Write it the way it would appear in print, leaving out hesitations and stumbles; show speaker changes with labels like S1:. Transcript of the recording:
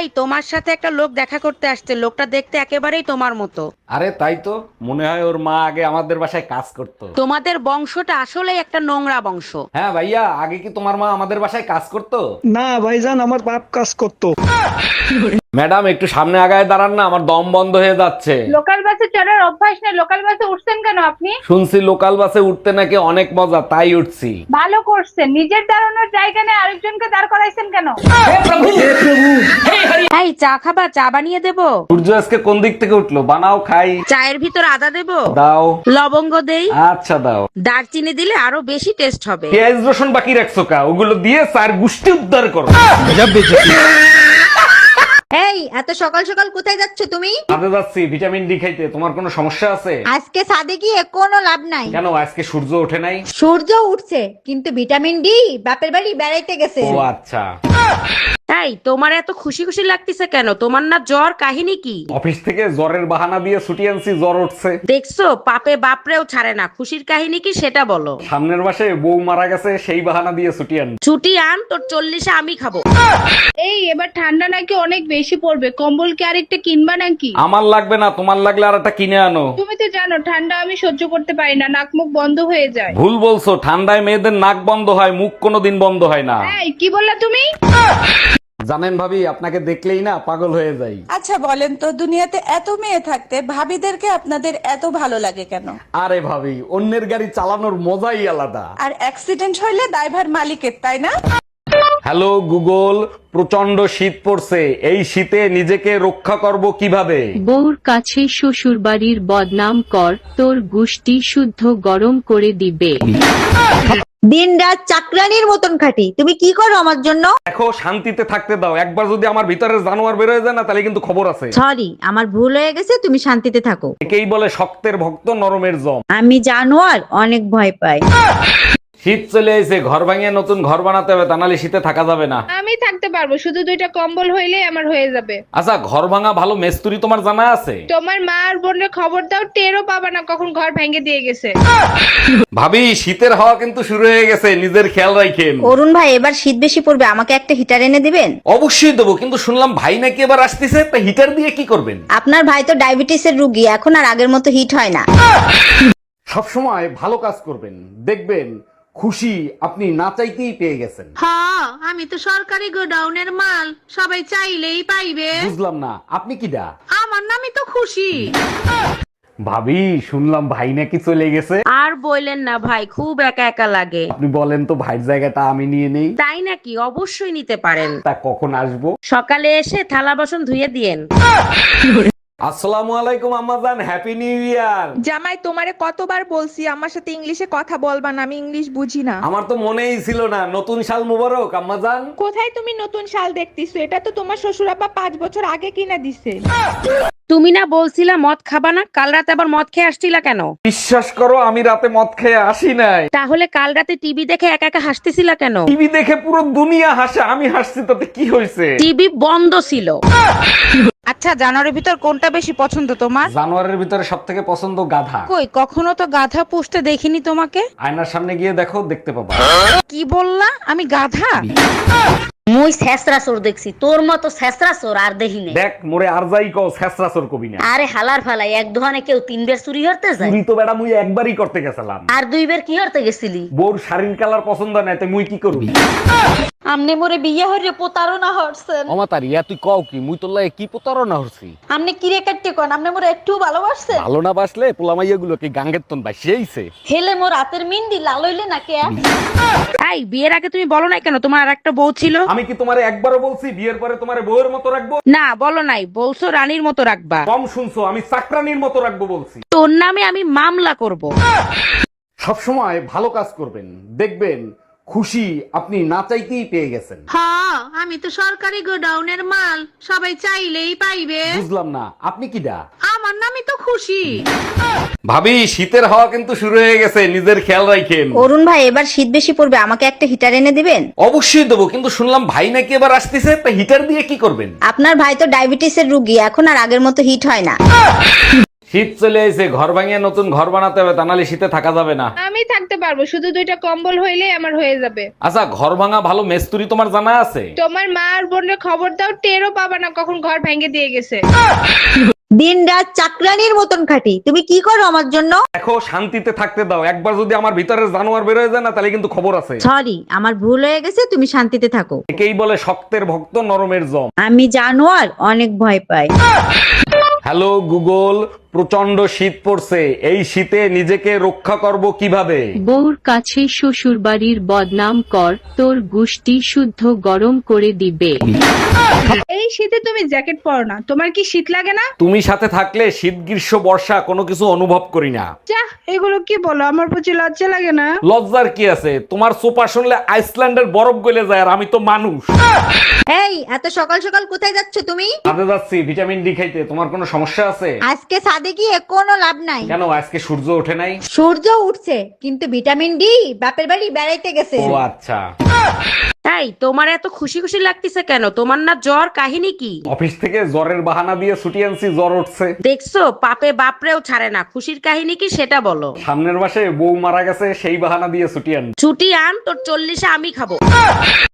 S1: এই তোমার সাথে একটা লোক দেখা করতে আসছে, লোকটা দেখতে একেবারেই তোমার মতো।
S2: আরে তাই তো, মনে হয় ওর মা আগে আমাদের বাসায় কাজ করতো।
S1: তোমাদের বংশটা আসলেই একটা নোংরা বংশ।
S2: হ্যাঁ ভাইয়া, আগে কি তোমার মা আমাদের বাসায় কাজ করতো?
S3: না ভাইজান, আমার বাপ কাজ করতো।
S2: ম্যাডাম একটু সামনে আগায় দাঁড়ান না, আমার দম বন্ধ হয়ে যাচ্ছে।
S4: লোকাল বাসে চড়ার অভ্যাস নেই, লোকাল বাসে উঠছেন কেন আপনি?
S2: শুনছি লোকাল বাসে উঠতে নাকি অনেক মজা, তাই উঠছি।
S4: ভালো করছেন, নিজের দাঁড়ানোর জায়গা নেই আরেকজনকে দাঁড় করাইছেন কেন?
S1: এই চা খাবা? চা বানিয়ে দেবো?
S2: সূর্য আজকে কোন দিক থেকে উঠলো, বানাও খাই।
S1: চায়ের ভিতর আদা দেবো?
S2: দাও।
S1: লবঙ্গ দেই?
S2: আচ্ছা দাও।
S1: দারচিনি দিলে আরো বেশি টেস্ট হবে।
S2: পেঁয়াজ রসুন বাকি রাখছো কা? ওগুলো দিয়ে চার গুষ্টি উদ্ধার করো।
S5: এই এত সকাল সকাল কোথায় যাচ্ছ তুমি?
S2: কাজে যাচ্ছি ভিটামিন ডি খাইতে। তোমার কোনো সমস্যা আছে?
S5: আজকে সাদে গিয়ে কোনো লাভ নাই।
S2: কেন, আজকে সূর্য ওঠে নাই?
S5: সূর্য উঠছে কিন্তু ভিটামিন ডি বাপের বাড়ি বেড়াইতে গেছে।
S2: ও আচ্ছা।
S1: এই তোমার এত খুশি খুশি লাগতেছে কেন? তোমার না জ্বর? কাহিনী কি?
S2: অফিস থেকে জ্বরের বাহানা দিয়ে ছুটি আনছি, জ্বর উঠছে।
S1: দেখছো, পাপে বাপরেও ছাড়ে না। খুশির কাহিনী কি সেটা বলো।
S2: সামনের মাসে বউ মারা গেছে, সেই বাহানা দিয়ে ছুটি আন।
S1: ছুটি আন, তোর 40-এ আমি খাবো।
S4: এই এবার ঠান্ডা নাকি অনেক বেশি পড়বে, কম্বল কি আরেকটা কিনবা নাকি?
S2: আমার লাগবে না, তোমার লাগলে আর একটা কিনে আনো।
S4: তুমি তো জানো ঠান্ডা আমি সহ্য করতে পারি না, নাক মুখ বন্ধ হয়ে যায়।
S2: ভুল বলছো, ঠান্ডায় মেয়েদের নাক বন্ধ হয়, মুখ কোনোদিন বন্ধ হয় না।
S4: এই কি বললা তুমি?
S2: জানেন ভাবি, আপনাকে দেখলেই না পাগল হয়ে যাই।
S6: আচ্ছা বলেন তো, দুনিয়াতে এত মেয়ে থাকতে ভাবিদেরকে আপনাদের এত ভালো লাগে কেন?
S2: আরে ভাবি, অন্যের গাড়ি চালানোর মজাই আলাদা।
S6: আর অ্যাক্সিডেন্ট হইলে দায়ভার মালিকের, তাই না?
S2: হ্যালো গুগল, প্রচন্ড শীত পড়ছে, এই শীতে নিজেকে রক্ষা করব কিভাবে?
S7: বউর কাছে শ্বশুর বাড়ির বদনাম কর, তোর গুষ্টি শুদ্ধ গরম করে দিবে।
S5: দিন রাত চাকরানির মতন খাটি, তুমি কি করো আমার জন্য?
S2: দেখো, শান্তিতে থাকতে দাও। একবার যদি আমার ভিতরে জানোয়ার বের হয়ে যায় না, তাহলে কিন্তু খবর আছে।
S5: সরি, আমার ভুল হয়ে গেছে, তুমি শান্তিতে থাকো।
S2: একেই বলে শক্তের ভক্ত নরমের জম।
S5: আমি জানোয়ার অনেক ভয় পাই।
S2: শীত চলে এসে, ঘর ভাঙিয়ে নতুন ঘর বানাতে হবে, তা নাহলে শীতে থাকা যাবে না।
S4: আমি থাকতে পারবো, শুধু 2টা কম্বল হইলেই আমার হয়ে যাবে।
S2: আচ্ছা, ঘর ভাঙা ভালো মেস্তুরি তোমার জানা আছে?
S4: তোমার মা আর বোনের খবর দাও, টেরও পাবা না কখন ঘর ভেঙে দিয়ে গেছে।
S2: ভাবি, শীতের হাওয়া কিন্তু শুরু হয়ে গেছে, নিজের খেয়াল রাখেন।
S5: অরুণ ভাই, এবার শীত বেশি পড়বে, আমাকে একটা হিটার এনে দিবেন?
S2: অবশ্যই দেবো, কিন্তু শুনলাম ভাই নাকি এবার আসতেছে, তা হিটার দিয়ে কি করবেন?
S5: আপনার ভাই তো ডায়াবেটিসের রুগী, এখন আর আগের মতো হিট হয় না।
S2: সবসময় ভালো কাজ করবেন, দেখবেন খুশি আপনি না চাইতেই পেয়ে গেছেন।
S1: হ্যাঁ, আমি তো সরকারি গোডাউনের মাল, সবাই চাইলেই পাইবে।
S2: বুঝলাম না, আপনি কি দা?
S1: আমার নামই তো খুশি।
S2: ভাবি, শুনলাম ভাই নাকি চলে গেছে।
S1: আর বললেন না ভাই, খুব একা একা লাগে।
S2: আপনি বলেন তো, ভাইয়ের জায়গাটা আমি নিয়ে নেই।
S1: তাই নাকি? অবশ্যই নিতে পারেন।
S2: তা কখন আসবো?
S1: সকালে এসে থালা বাসন ধুয়ে দিয়েন।
S2: আসসালামু আলাইকুম আম্মাজান, হ্যাপি নিউ ইয়ার।
S8: জামাই, তোমারে কতবার বলছি আমার সাথে ইংলিশে কথা বলবা না, আমি ইংলিশ বুঝি না।
S2: আমার তো মনেই ছিল না, নতুন সাল মুবারক আম্মাজান।
S8: কোথায় তুমি নতুন শাল দেখতেছো? এটা তো তোমার শ্বশুর আব্বা 5 বছর আগে কিনা দিছে।
S1: তুমি না বলছিলা মদ খাবা না? কাল রাতে আবার মদ খেয়ে আসছিলা কেন?
S2: বিশ্বাস করো, আমি রাতে মদ খেয়ে আসি নাই।
S1: তাহলে কাল রাতে টিভি দেখে একা একা হাসতেছিলা কেন?
S2: টিভি দেখে পুরো দুনিয়া হাসে, আমি হাসছি, তাতে কি হয়েছে?
S1: টিভি বন্ধ ছিল।
S8: আচ্ছা, জানোয়ারের ভিতর কোনটা বেশি পছন্দ তোমার?
S2: জানোয়ারের ভিতরে সব থেকে পছন্দ গাধা।
S8: কই, কখনো তো গাধা পুষতে দেখিনি তোমাকে।
S2: আয়নার সামনে গিয়ে দেখো, দেখতে পাবা।
S8: কি বললা? আমি গাধা?
S9: মুই ছেসরা চোর দেখছি, তোর মতো ছেসরা চোর আর দেখি নাই।
S2: দেখ মোরে আর যাই কও, ছেসরা চোর কবি না।
S9: আরে হালার ফালাই, এক দোকানে কেউ 3 বার চুরি করতে যায়,
S2: চুরি তো বেটা মুই একবারই করতে গেছিলাম।
S9: আর 2 বার কি করতে গেছিলি?
S2: বউর শাড়ির কালার পছন্দ নাই, তাই মুই কি করবি?
S5: আমনে মোরে বিয়ে হইরে প্রতারণা হরছেন।
S2: অমাতার ইয়া, তুই কও কি? মুই তোর লাগে কি প্রতারণা হচ্ছি?
S5: আমনে কিরে কাটতে কোন, আমনে মোরে একটু ভালোবাসছেন?
S2: ভালো না বাসলে পোলামাইয়া গুলো কি গাঙ্গের তন বাসিয়েছে?
S5: হেলে মোর রাতের মিন্দি লাল হইলে না কে?
S1: এই বিয়ের আগে তুমি বলো নাই কেন তোমার আর একটা বউ ছিল?
S2: আমি কি তোমারে একবারও বলছি বিয়ের পরে তোমারে বউয়ের মতো রাখবো?
S1: না, বলো নাই, বলছো রানীর মতো রাখবা।
S2: কম শুনছো, আমি চাকরানির মতো রাখবো বলছি।
S1: তোর নামে আমি মামলা করব।
S2: সবসময় ভালো কাজ করবেন, দেখবেন খুশি আপনি না চাইতেই পেয়ে গেছেন।
S1: হ্যাঁ, আমি তো সরকারি গোডাউনের মাল, সবাই চাইলেই পাইবে।
S2: বুঝলাম না, আপনি কি দা?
S1: আমার নামই তো খুশি।
S2: ভাবি, শীতের হাওয়া কিন্তু শুরু হয়ে গেছে, নিজের খেয়াল রাখেন।
S5: অরুণ ভাই, এবার শীত বেশি পড়বে, আমাকে একটা হিটার এনে দিবেন?
S2: অবশ্যই দেবো, কিন্তু শুনলাম ভাই নাকি এবার আসতেছে, তা হিটার দিয়ে কি করবেন?
S5: আপনার ভাই তো ডায়াবেটিসের রুগী, এখন আর আগের মতো হিট হয় না।
S2: শীত চলে এসে ঘর ভাঙিয়ে নতুন ঘর বানাতে হবে, তা নাহলে শীতে থাকা যাবে না।
S4: আমি থাকতে পারবো, শুধু 2টা কম্বল হইলেই আমার হয়ে যাবে।
S2: আচ্ছা, ঘর ভাঙা ভালো মেস্তুরি তোমার জানা আছে?
S4: তোমার মা আর বোনের খবর দাও, টেরও পাবা না কখন ঘর ভেঙে দিয়ে গেছে।
S5: দিন রাত চাকরানির মতন খাটি, তুমি কি করো আমার জন্য?
S2: দেখো, শান্তিতে থাকতে দাও। একবার যদি আমার ভিতরে জানোয়ার বের হয়ে যায় না, তাহলে কিন্তু খবর আছে।
S5: সরি, আমার ভুল হয়ে গেছে, তুমি শান্তিতে থাকো।
S2: একেই বলে শক্তের ভক্ত নরমের জম।
S5: আমি জানোয়ার অনেক ভয় পাই।
S2: হ্যালো গুগল, প্রচন্ড শীত পড়ছে, এই শীতে নিজেকে রক্ষা করব কিভাবে?
S7: বউর কাছে শ্বশুর বাড়ির বদনাম কর, তোর গুষ্টি শুদ্ধ গরম করে দিবে।
S4: এই শীতে তুমি জ্যাকেট পরো না, তোমার কি শীত লাগে না?
S2: তুমি সাথে থাকলে শীত গ্রীষ্ম বর্ষা কোনো কিছু অনুভব করি না।
S4: যা, এগুলো কি বলো, আমার প্রতি লজ্জা লাগে না?
S2: লজ্জার কি আছে? তোমার সোপা শুনলে আইসল্যান্ডের বরফ গলে যায়, আর আমি তো মানুষ।
S5: এই এত সকাল সকাল কোথায় যাচ্ছ তুমি?
S2: কাজে যাচ্ছি ভিটামিন ডি খাইতে। তোমার কোনো সমস্যা আছে?
S5: আজকে সাদে গিয়ে কোনো লাভ নাই।
S2: কেন, আজকে সূর্য ওঠে নাই?
S5: সূর্য উঠছে, কিন্তু ভিটামিন ডি বাপের বাড়ি বেড়াইতে গেছে।
S2: ও আচ্ছা।
S1: তাই তোমার এত খুশি খুশি লাগতেছে কেন? তোমার না জ্বর, কাহিনী কি?
S2: অফিস থেকে জ্বরের বাহানা দিয়ে ছুটি আনছি, জ্বর উঠছে।
S1: দেখছো, পাপে বাপরেও ছাড়ে না। খুশির কাহিনী কি সেটা বলো।
S2: সামনের মাসে বউ মারা গেছে, সেই বাহানা দিয়ে ছুটি আন।
S1: ছুটি আন, তোর 40-এ আমি খাবো।